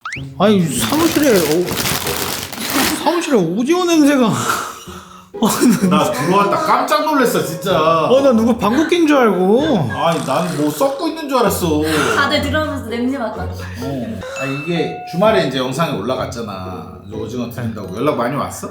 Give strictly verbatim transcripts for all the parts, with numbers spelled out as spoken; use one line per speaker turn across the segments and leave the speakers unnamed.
아니 사무실에 어, 사무실에 오징어 냄새가.
나 들어왔다 깜짝 놀랐어 진짜.
어 나 누구 방귀 낀 줄 알고.
아니 난 뭐 썩고 있는 줄 알았어.
다들 들어오면서 냄새 맡아.
어. 아 이게 주말에 이제 영상이 올라갔잖아. 이제 오징어 드린다고 연락 많이 왔어?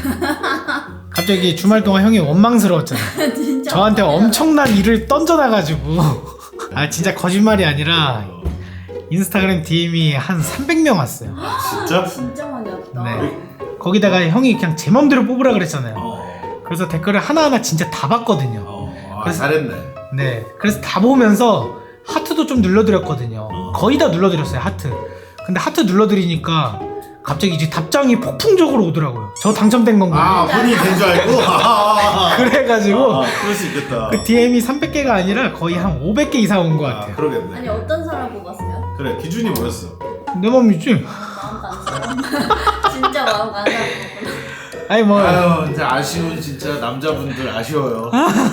갑자기 주말 동안 형이 원망스러웠잖아.
진짜.
저한테 엄청난 일을 던져놔가지고. 아 진짜 거짓말이 아니라 인스타그램 디엠이 한 삼백 명 왔어요.
진짜?
진짜 많이 왔다.
네. 거기다가 형이 그냥 제 맘대로 뽑으라 그랬잖아요.
어.
그래서 댓글을 하나하나 진짜 다 봤거든요.
어. 아,
그래서-
잘했네.
네. 그래서 다 보면서 하트도 좀 눌러드렸거든요. 거의 다 눌러드렸어요, 하트. 근데 하트 눌러드리니까 갑자기 이제 답장이 폭풍적으로 오더라고요. 저 당첨된 건가요?
아 본인이 된 줄 알고? 아,
그래가지고
아, 그럴 수 있겠다.
그 디엠이 삼백 개가 아니라 거의 한 오백 개 이상 온 것
아,
같아요.
그러겠네.
아니 어떤 사람 뽑았어요?
그래 기준이 뭐였어?
내 맘이지?
마음 간 사람. 진짜 마음 간 사람 뽑았구나.
아니 뭐
아유 진짜 아쉬운 진짜 남자분들 아쉬워요.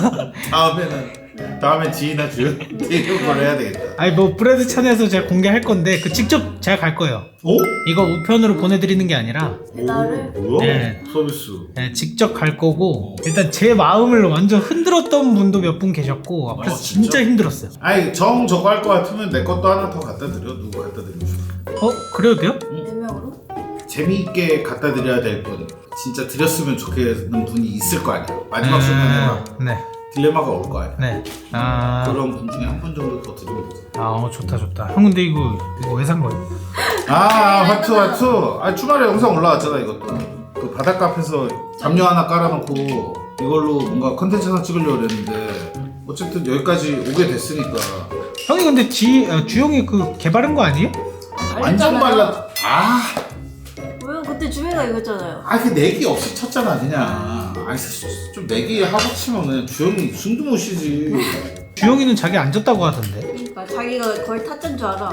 다음에는 다음에 지인아 주연 이런 걸 해야 되겠다.
아니 뭐 브레드 찬에서 제가 공개할 건데 그 직접 제가 갈 거예요.
오?
이거 우편으로 보내드리는 게 아니라
배달을?
오, 뭐야?
네.
서비스.
네, 직접 갈 거고 일단 제 마음을 완전 흔들었던 분도 몇 분 계셨고 앞에서
아, 진짜?
진짜 힘들었어요.
아니 정 저거 할 거 같으면 내 것도 하나 더 갖다 드려. 누구 갖다 드리고 싶어?
어? 그래도 돼요?
네 명으로?
재미있게 갖다 드려야 될 분, 진짜 드렸으면 좋겠는 분이 있을 거 아니야. 마지막 순간에 막
네.
딜레마가 올 거 아니야.
네. 아,
그런 분 중에 한 분 정도 더 드리면 되지.
아 어, 좋다 좋다. 형 근데 이거 이거 왜 산 거예요?
아 하트 하트. 아 주말에 영상 올라왔잖아 이것도. 그 바닷가 앞에서 담요 하나 깔아놓고 이걸로 뭔가 컨텐츠 하나 찍으려고 그랬는데 어쨌든 여기까지 오게 됐으니까
형이 근데 지 아, 주영이 그 개발한 거 아니에요?
완전 발라. 아,
왜요? 그때 주혜가 이거잖아요.
아 그 내기 없이 쳤잖아 그냥. 아니 좀 내기 하고 치면 그냥 주영이 숨도 못 쉬지.
주영이는 자기 안 졌다고 하던데.
그러니까 자기가 거의 타짜인 줄 알아.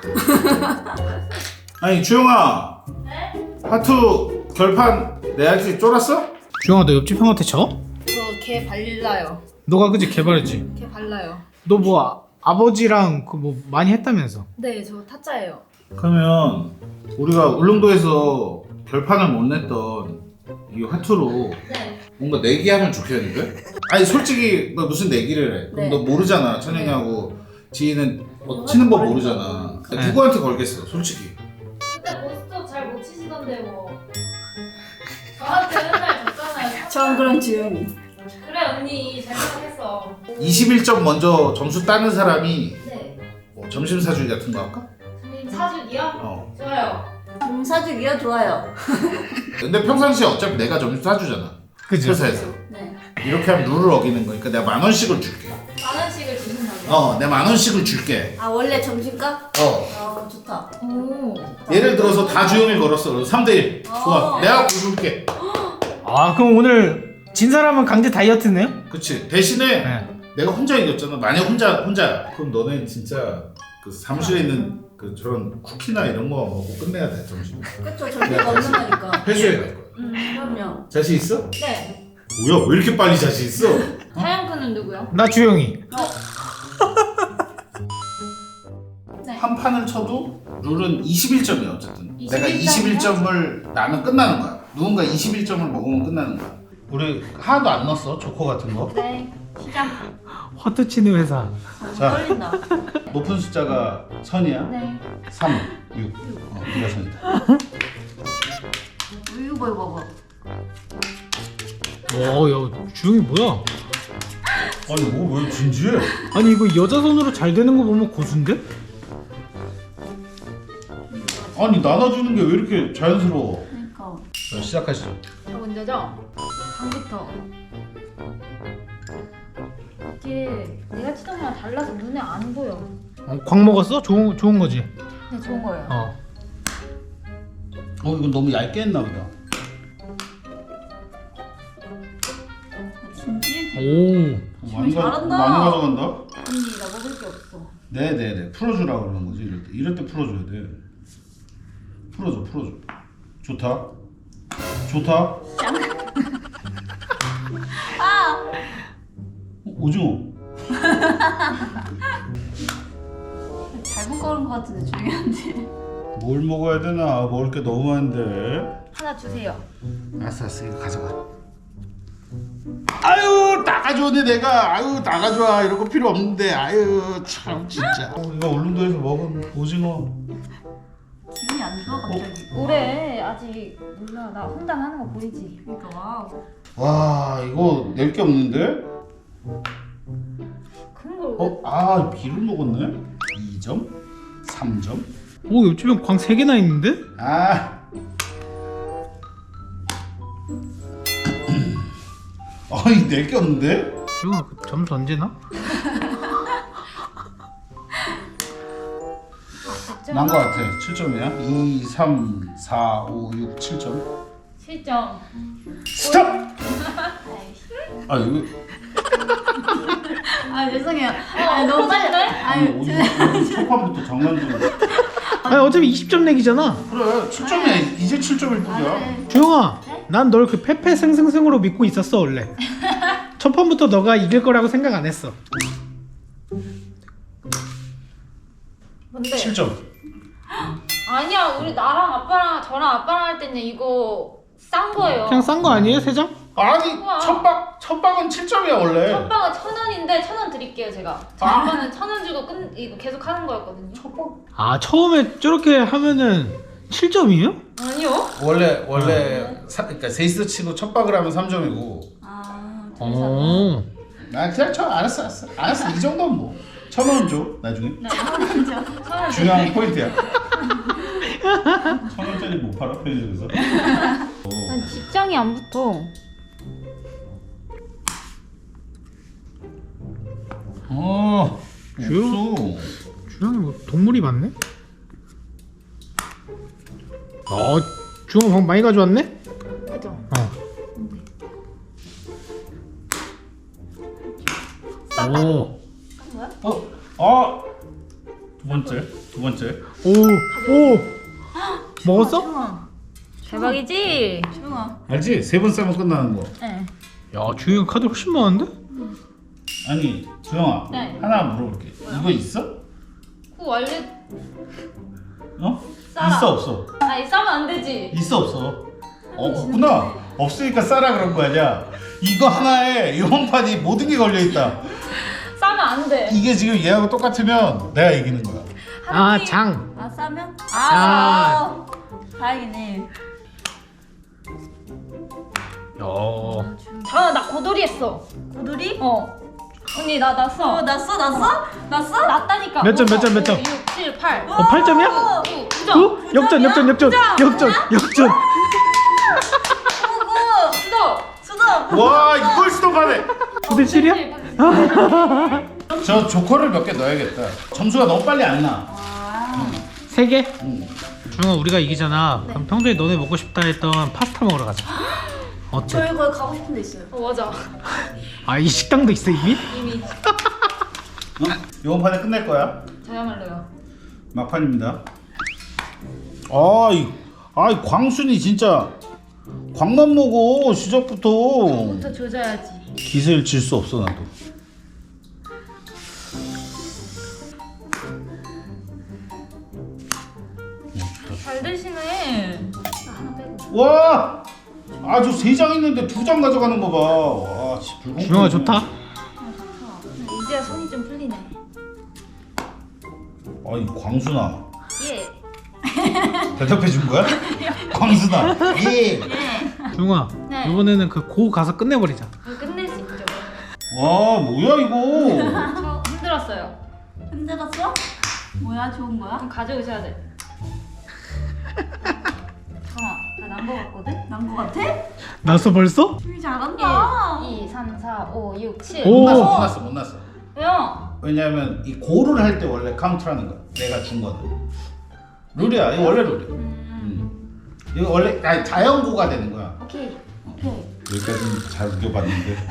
아니 주영아. 네? 하트 결판 내야지. 쫄았어?
주영아 너 옆집 형한테 져?
저 걔 발라요.
너가 그지 개발했지?
걔 발라요.
너 뭐 아, 아버지랑 그 뭐 많이 했다면서?
네, 저 타짜예요.
그러면 우리가 울릉도에서 결판을 못 냈던 이 화투로
네.
뭔가 내기하면 좋겠는데? 아니 솔직히 너 무슨 내기를 해? 그럼
네.
너 모르잖아. 천영이하고 지희는 뭐 치는 법 모르잖아.
네.
누구한테 걸겠어 솔직히?
그때 보스톱 잘 못 치시던데 뭐 저한테 맨날 졌잖아요.
전 그런 주영이.
그래 언니 잘 생각했어.
이십일 점 먼저 점수 따는 사람이
네.
뭐 점심 사주기 같은 거 할까?
선생님 사주기요?
어.
좋아요.
음, 사주기요? 좋아요.
근데 평상시에 어차피 내가 점심 사주잖아.
그지?
회사에서.
네.
이렇게 하면 룰을 어기는 거니까 내가 만 원씩을 줄게.
만 원씩을 주신다고요?
어, 내가 만 원씩을 줄게.
아 원래 점심값?
어.
어 좋다.
오.
예를 들어서 다 주영이 걸었어. 그럼 삼 대 일. 좋아.
어.
내가 굴줄게.
아 그럼 오늘 진 사람은 강제 다이어트네요?
그치. 대신에
네.
내가 혼자 이겼잖아. 만약 혼자 혼자야. 그럼 너네 진짜 그 사무실에 있는 그 저런 쿠키나 이런 거 먹고 끝내야 돼 점심.
그쵸 절대가 없는 거니까.
회수해 갈 거야.
음 그럼요.
자신 있어?
네.
뭐야? 왜 이렇게 빨리 자신 있어?
하얀크는 누구요?
나 주영이.
네.
한 판을 쳐도 룰은 이십일 점이야 어쨌든. 내가
이십일
이십일 점을 나는 끝나는 거야. 누군가 이십일 점을 먹으면 끝나는 거야. 우리 하나도 안 넣었어 조커 같은 거.
네. 시작.
화투 치는 회사.
자.
떨린다.
높은 숫자가 선이야.
네.
삼, 육. 어, 네가 선이다.
이거 봐 봐봐.
와, 야 주영이 뭐야?
아니 뭐 왜 진지해?
아니 이거 여자 손으로 잘 되는 거 보면 고수인데?
아니 나눠주는 게 왜 이렇게 자연스러워?
그러니까.
자 시작하시죠.
저 먼저죠? 방부터. 이게 내가 치던 거랑 달라서 눈에 안 보여.
어, 광 먹었어? 좋은 좋은 거지.
네, 좋은 거예요.
어.
어 이건 너무 얇게 했나 보다.
진지?
오.
많이 가
잘한다.
많이 가져간다.
언니 나 먹을 게 없어.
네네네 풀어주라 그러는 거지 이럴 때 이럴 때 풀어줘야 돼. 풀어줘 풀어줘. 좋다. 좋다.
아!
어, 오징어.
잘못 걸은 것 같은데 주영이한테.
뭘 먹어야 되나? 먹을 게 너무 많은데.
하나 주세요.
알았어, 알았어. 이거 가져가. 아유, 다 가져오네 내가. 아유, 다 가져와. 이런 거 필요 없는데. 아유, 참 진짜. 어, 이거 울릉도에서 먹은 오징어.
기분이 안 좋아 갑자기.
올해 아직 몰라. 나 혼단하는 거 보이지?
그러니까 와우.
와, 이거 낼 게 없는데?
그런 걸
어, 아, 비를 먹었네. 이 점, 삼 점.
오 옆집엔 광 세 개나 있는데?
아. 아니, 낼 게 없는데?
주영아 그 점수 언제나?
난 거 같아. 칠 점이야. 이, 삼, 사, 오, 육, 칠 점.
칠 점.
스톱! 아, 이거.
아 죄송해요.
어,
아 너무 빨리.
빨리.
아니
오늘, 오늘 초반부터 장난 좀.
아니 어차피 이십 점 내기잖아.
그래, 칠 점이야. 이제 칠 점일
아,
뿐이야.
네.
주영아 난 널 그 패패승승승으로 믿고 있었어 원래. 첫 판부터 너가 이길 거라고 생각 안 했어.
뭔데?
칠 점.
아니야, 우리 나랑 아빠랑 저랑 아빠랑 할 때는 이거 싼 거예요.
그냥 싼 거 아니에요 세 장?
아니,
우와.
첫방, 첫방은 칠 점이야, 원래.
첫 방은 천 원인데 천 원 드릴게요 제가. 저
아.
아빠는 천 원 주고 끝 이거 계속 하는 거였거든요.
첫방?
아 처음에 저렇게 하면은 칠 점이에요?
아니요?
원래, 원래, 사, 그러니까 세이스 치고 첫방을 하면 삼 점이고.
아
어.
아, 그냥 쳐. 알았어, 알았어. 알았어. 이 정도는 뭐. 천 원 줘, 나중에.
천 원.
중요한 포인트야. 천 원짜리 못 팔아, 편의점에서.
난 직장이 안 붙어.
어,
주요?
없어.
주영이 뭐 동물이 많네? 어 주영아 방금 많이 가져왔네?
그죠?
어. 오.
어, 아, 두 번째, 두 번째.
오. 오. 먹었어?
조용아.
대박이지?
조용아.
알지? 세 번 싸면 끝나는 거.
네.
야 주영이 카드 훨씬 많은데?
아니, 주영아,
네.
하나 물어볼게. 이거 있어?
그 원래
어?
싸라.
있어 없어?
아니 싸면 안 되지.
있어 없어? 어, 없구나. 없으니까 싸라 그런 거 아니야. 이거 하나에 이번판이 모든 게 걸려 있다.
싸면 안 돼.
이게 지금 얘하고 똑같으면 내가 이기는 거야.
아 장.
아 싸면?
아.
아. 다행이네.
야.
저나 고돌이 했어.
고돌이?
어. 언니 나 났어.
어 났어 났어? 났어?
났다니까.
몇 점, 몇 점, 몇 점?
육, 칠, 팔.
어 팔 점이야?
오,
구, 구 점.
구? 역전 역전 역전 역전 역전.
오구.
수도.
수도.
와, 이걸 스톱하네.
구 대 칠이야?
저 조커를 몇 개 넣어야겠다. 점수가 너무 빨리 안 나.
아.
세 개?
응.
주영아 우리가 이기잖아. 그럼 평소에 너네 먹고 싶다 했던 파스타 먹으러 가자. 어때?
저희 거기 가고 싶은 데 있어요.
어 맞아.
아 이 식당도 있어 이미?
이미
어? 이번 판에 끝낼 거야.
저야말로요.
막판입니다. 아, 이, 아, 이 광순이 진짜 광만 먹어 시작부터.
부터 조져야지.
기세를 질 수 없어 나도.
잘 드시네.
와, 아주 세 장 있는데 두 장 가져가는 거 봐. 와, 씨, 불공평해.
주영아 좋다.
이제야 손이 좀 풀리네.
아이 광순아,
예.
대답해 준 거야? 광순아, 예.
주영아
네.
이번에는 그 고 가서 끝내버리자.
이거 끝낼 수 있죠.
와, 뭐야 이거?
저 힘들었어요.
힘들었어? 뭐야 좋은 거야?
그럼 가져오셔야 돼. 잠깐만, 나난 거 같거든?
난 거 같아?
났어 벌써?
되게 잘한다.
일, 이, 삼, 사, 오, 육, 칠.
오.
못 났어, 못 났어, 못 났어.
왜요?
왜냐면 이 고를 할 때 원래 카운트라는 거야. 내가 준 거는 룰이야. 이거 원래 룰이야. 음. 이거 원래 아니, 자연고가 되는 거야.
오케이.
오케이.
여기까지는 잘 우겨봤는데.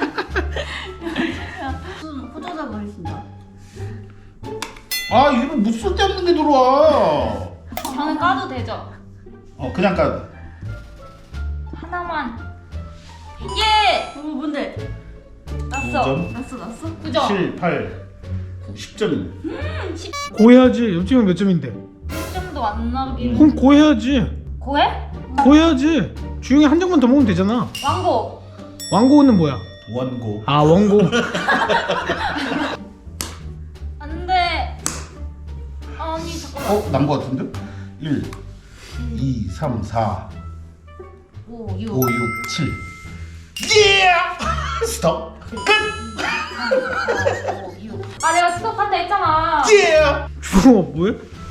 무슨 호조자 보이신다.
아, 이거 무슨 쓸데없는 게 들어와.
저는 까도 되죠?
어, 그냥 까.
하나만. 예!
어 뭔데?
났어.
점.
났어 났어?
구 점.
칠, 팔, 구, 십 점이네.
고 해야지. 옆집은 몇 점인데?
십 점도 안 나긴.
그럼 고 해야지.
고해?
고 해야지. 주영이 한 장만 더 먹으면 되잖아.
왕고.
왕고는 뭐야?
원고.
아 원고.
안 돼. 아니 잠깐만.
어? 난 거 같은데? 일, 이, 삼, 사,
오, 육.
오, 육, 칠. 예! 스톱. 끝.
오, 육. 아 내가 스톱한다 했잖아.
예!
주영아 뭐해?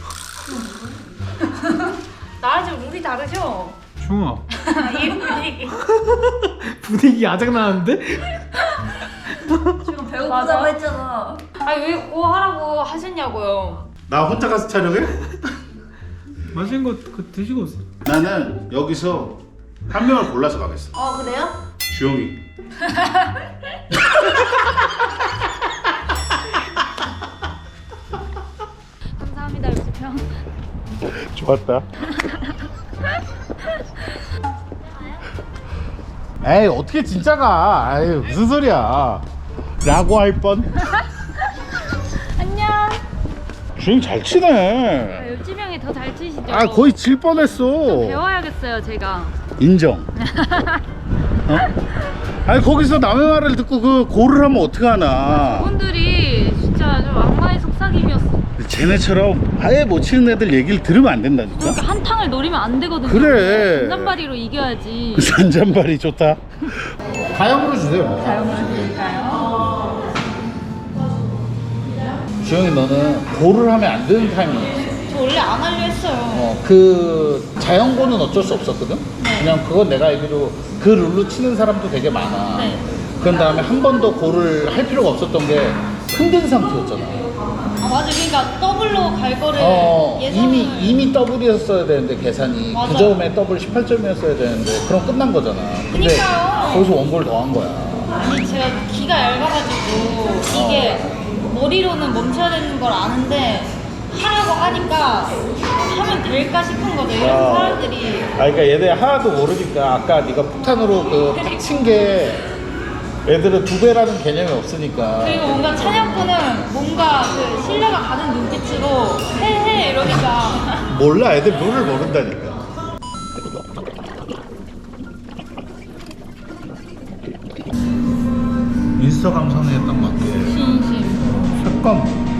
나랑 지금 룰이 다르죠?
주영아
이 분위기.
분위기 아작 나는데?
지금 배고프다고 했잖아.
아니 왜 그거 하라고 하셨냐고요.
나 혼자 가서 촬영해?
맛있는 거 그 드시고 오세요.
나는 여기서 한 명을 골라서 가겠어.
어 그래요?
주영이.
감사합니다 유수평.
좋았다. 에이 어떻게 진짜 가? 아유 무슨 소리야? 라고 할 뻔.
안녕.
주영 잘 치네.
옆지명이 더 잘 치시죠?
아 거의 질 뻔했어.
배워야겠어요 제가.
인정. 어? 아니 거기서 남의 말을 듣고 그 고를 하면 어떡하나.
분들이 진짜 좀 악마의 속삭임이었어.
쟤네처럼 아예 못 치는 애들 얘기를 들으면 안 된다니까.
그러니까 한탕을 노리면 안 되거든요.
그래.
잔잔바리로 이겨야지.
그 잔잔발이 좋다. 다영으로 주세요.
다영으로 드릴까요?
주영이 너는 고를 하면 안 되는 타이밍이었어.
저 원래 안 하려 했어요.
어, 그 자연고는 어쩔 수 없었거든.
네.
그냥 그건 내가 알기로 그 룰로 치는 사람도 되게 많아.
네.
그런 다음에 한 번도 고를 할 필요가 없었던 게 흔든 상태였잖아.
아 맞아. 그러니까 더블로 갈 거를
어,
예상을-
이미 이미 더블이었어야 되는데 계산이
맞아.
그 점에 더블 십팔 점이었어야 되는데 그럼 끝난 거잖아. 근데
그니까요.
거기서 원고를 더 한 거야.
아니 제가 기가 얇아가지고 이게 머리로는 멈춰야 되는 걸 아는데 하라고 하니까 하면 될까 싶은 거죠. 이래서
아.
사람들이
아, 그러니까 얘들 하나도 모르니까 아까 네가 폭탄으로 그팍친 게 애들은 두 배라는 개념이 없으니까.
그리고 뭔가 찬혁군은 뭔가 그 신뢰가 가는 눈빛으로 해해 이러니까
몰라, 애들 룰을 모른다니까. 인스타 감성에 딱 맞게
진심.
색감